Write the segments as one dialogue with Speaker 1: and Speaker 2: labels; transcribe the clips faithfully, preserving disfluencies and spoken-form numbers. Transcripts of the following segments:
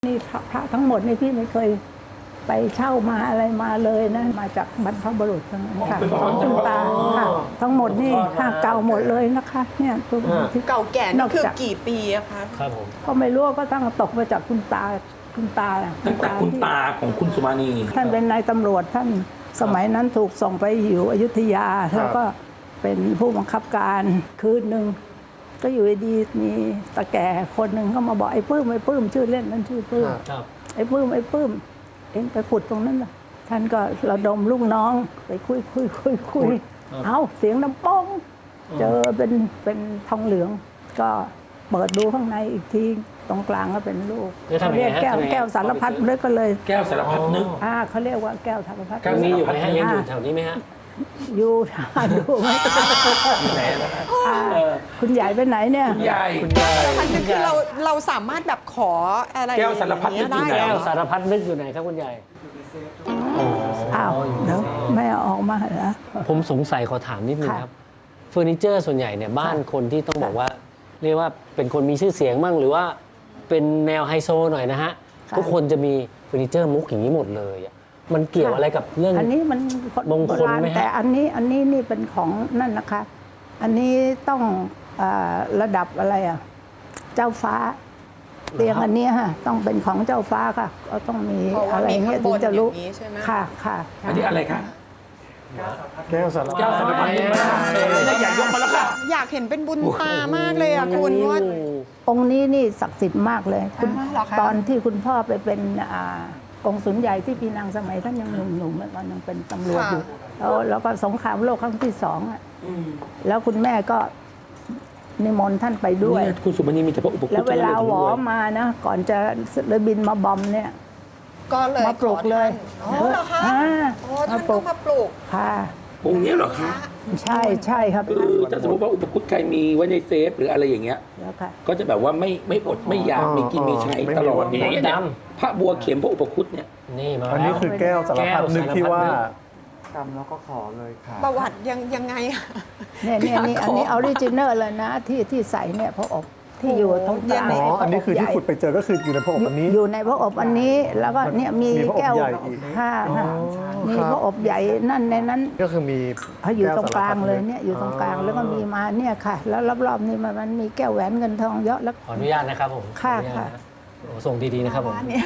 Speaker 1: นี่พระทั้งหมดนี่พี่ไม่เคยไปเช่ามาอะไรมาเลยนะมาจากบรรพบุรุษทั้งนั้นค่ะของคุณตาค่ะทั้งหมดนี่ค่ะเก่าหมดเลยนะคะเนี่ยตัวที่
Speaker 2: เก่าแก่นี่คือกี่ปีอะคะ
Speaker 3: ครับผม
Speaker 1: ก็ไม่รู้ก็ตั้งตกมาจากคุณตาคุณตา
Speaker 4: ตั้งแต่คุณตาของคุณสุมาณี
Speaker 1: ท่านเป็นนายตำรวจท่านสมัยนั้นถูกส่งไปอยู่อยุธยาแล้วก็เป็นผู้บังคับการคืนหนึ่งก็อยู่ดีๆมีตาแก่คนหนึ่งก็มาบอกไอ้ปื้มไอ้ปื้มชื่อเล่นนั่นชื่อปื้ม
Speaker 3: ครับ
Speaker 1: ไอ้ปื้มไอ้ปื้มเอ็งไปขุดตรงนั้นล่ะท่านก็ระดมลูกน้องไปคุยคุยคุยคุยเอาเสียงน้ำป้องเจอเป็นเป็นทองเหลือง ก็เปิดดูข้างในอีกทีตรงกลางก็เป็นลูก
Speaker 3: แล้วทำ
Speaker 1: เขา
Speaker 3: ไง
Speaker 1: เรียก
Speaker 3: ฮะ
Speaker 1: แก้ว
Speaker 3: ทำไง
Speaker 1: แก้วสารพัดเลยก็เลย
Speaker 4: แก้วสารพัดนึก
Speaker 1: อ่าเขาเรียกว่าแก้วสารพัด
Speaker 4: แก้ว
Speaker 3: ยังมีอยู่ไหมฮะยังอยู่แถวนี้ไหมฮะ
Speaker 1: อยู่หาดูไหม
Speaker 4: อยู่ไหนล่ะ
Speaker 1: อ่าคุณใหญ่ไปไหนเนี่ย
Speaker 4: คุณยาย
Speaker 3: คุณยาย
Speaker 2: มันคือเราเราสามารถแบบขออะไร
Speaker 4: แก้วสารพัดนึกอยู่ไหน
Speaker 2: ได้
Speaker 3: แก้ว
Speaker 2: เหรอ
Speaker 3: สารพัดนึกอยู่ไหนครับคุณยาย
Speaker 1: อ้าวเดี๋ยวไม่เอาออกมาเหรอ
Speaker 3: ผมสงสัยขอถามนิดนึง
Speaker 1: ค่ะ
Speaker 3: ครับเฟอร์นิเจอร์ส่วนใหญ่เนี่ยบ้านคนที่ต้องบอกว่า เรียกว่าเป็นคนมีชื่อเสียงมั่งหรือว่าเป็นแนวไฮโซหน่อยนะฮะ
Speaker 1: ค่ะ
Speaker 3: ทุกคนจะมีเฟอร์นิเจอร์มุกอย่างนี้หมดเลยอะมันเกี่ยวอะไรกับเรื่อง
Speaker 1: อันนี้มัน
Speaker 3: มงคลไหมฮะ
Speaker 1: แต่อันนี้อันนี้นี่เป็นของนั่นนะคะ อันนี้ต้องเออระดับอะไรอ่ะเจ้าฟ้าเตียงอันเนี้ยฮะต้องเป็นของเจ้าฟ้าค่ะ ก็ต้องมี
Speaker 2: เพราะว่า
Speaker 1: อะไร
Speaker 2: มี
Speaker 1: เงี้
Speaker 2: ข้าย งบ
Speaker 1: ถึง
Speaker 2: น
Speaker 1: จะ
Speaker 2: อ
Speaker 1: รู้
Speaker 2: ย่างนี้ใช่ไหม
Speaker 1: ค่ะค่ะ
Speaker 4: อันนี้อะไรคะ
Speaker 5: แก้วสารพัด
Speaker 4: แก้วสารพัดนึกมาเออแล้วอย่ายกมาแล้วค่ะ
Speaker 2: อยากเห็นเป็นบุญตามากเลยอะคุณว่า
Speaker 1: องค์นี้นี่ศักดิ์สิทธิ์มากเลยคุณ
Speaker 2: อ๋อเหรอคะ
Speaker 1: ตอนที่คุณพ่อไปเป็นอ่ากองสุลใหญ่ที่ปีนังสมัยท่านยังหนุ่มๆตอนยังเป็นตำรวจอยู่แล้วแล้วก็สงครามโลกครั้งที่สองอ่ะแล้วคุณแม่ก็นิมนต์ท่านไปด้วย
Speaker 4: เนี่ยคุณสุมาณีมีแต่พระอุปคุต
Speaker 1: แล้วเวลาหวอ
Speaker 4: ทั้งนั้น
Speaker 1: มานะ ก่อนจะเลยบินมาบอมเนี่ย
Speaker 2: ก็เลย
Speaker 1: มาปลูกเลย
Speaker 2: ขอท่านอ๋อเหรอคะ
Speaker 1: อ่า
Speaker 2: โอ้ท่านก็มาปลูก
Speaker 1: ค่ะ
Speaker 4: องค์นี้เหรอคะ
Speaker 1: ใช่ใช่ครับ
Speaker 4: คือถ้าสมมติว่าอุปคุตใครมีไว้ในเซฟหรืออะไรอย่างเงี้ย
Speaker 1: แล้วค่ะ
Speaker 4: ก็จะแบบว่าไม่ไม่อดไม่อยากมีกินมีใช้ตลอดอย่างเงี้ยเนี่ยพระบัวเข็มพระอุปคุตเนี่ย
Speaker 3: นี่มา
Speaker 5: อันนี้
Speaker 3: แล้ว
Speaker 5: คือแก้วสารพัดนึกที่ว่า
Speaker 6: กรรมแล้วก็ขอเลยค่ะ
Speaker 2: ประวัติยังยังไงอะ
Speaker 1: เนี่ยเนี่ยนี่อันนี้ออริจินัลเลยนะที่ที่ใส่เนี่ยพระอบที่อยู่ตรงกลาง
Speaker 5: อ๋อ อันนี้คือที่ขุดไปเจอก็คืออยู่ในพระอบอันนี้
Speaker 1: อยู่ในพระอบอันนี้แล้วก็เนี่ยมี
Speaker 5: มีพระอบ
Speaker 1: แก้ว
Speaker 5: ใหญ่อีก
Speaker 1: ห้าค่ะมี
Speaker 5: ครับ
Speaker 1: พระอบใหญ่นั่นในนั้น
Speaker 5: ก็คือมี
Speaker 1: เขาอยู่ตรงกลางเลย
Speaker 5: แวสรพัด
Speaker 1: เนี่ยอยู่ตรงกลางแล้วก็มีมาเนี่ยค่ะ แล้วรอบๆนี่มันมันมีแก้วแหวนเงินทองเยอะแล้ว
Speaker 3: ขออนุญาตนะครับผม
Speaker 1: ค่ะ
Speaker 3: ขออนุญาต
Speaker 1: ค่ะ
Speaker 3: นโอ้ส่งดีๆนะครับผม
Speaker 2: ร้านเนี่ย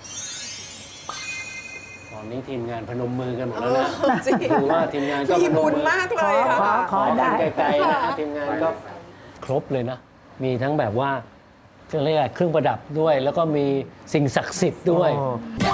Speaker 3: ตอนนี้ทีมงานพนมมือกันหมดแล้วนะ
Speaker 2: เออจริง
Speaker 3: คือว่าทีมงานก็
Speaker 2: มี
Speaker 3: พน
Speaker 2: บุ
Speaker 3: ม
Speaker 2: ญ
Speaker 3: มือ
Speaker 2: มากเลยอะ
Speaker 1: ขอ
Speaker 2: ค่ะ
Speaker 1: ขอได้
Speaker 3: กันไกลๆนะทีมงานก็ครบเลยนะ มีทั้งแบบว่าเครื่องเรียกอะไรเครื่องประดับด้วย แล้วก็มีสิ่งศักดิ์สิทธิ์ด้วย
Speaker 5: อ๋อ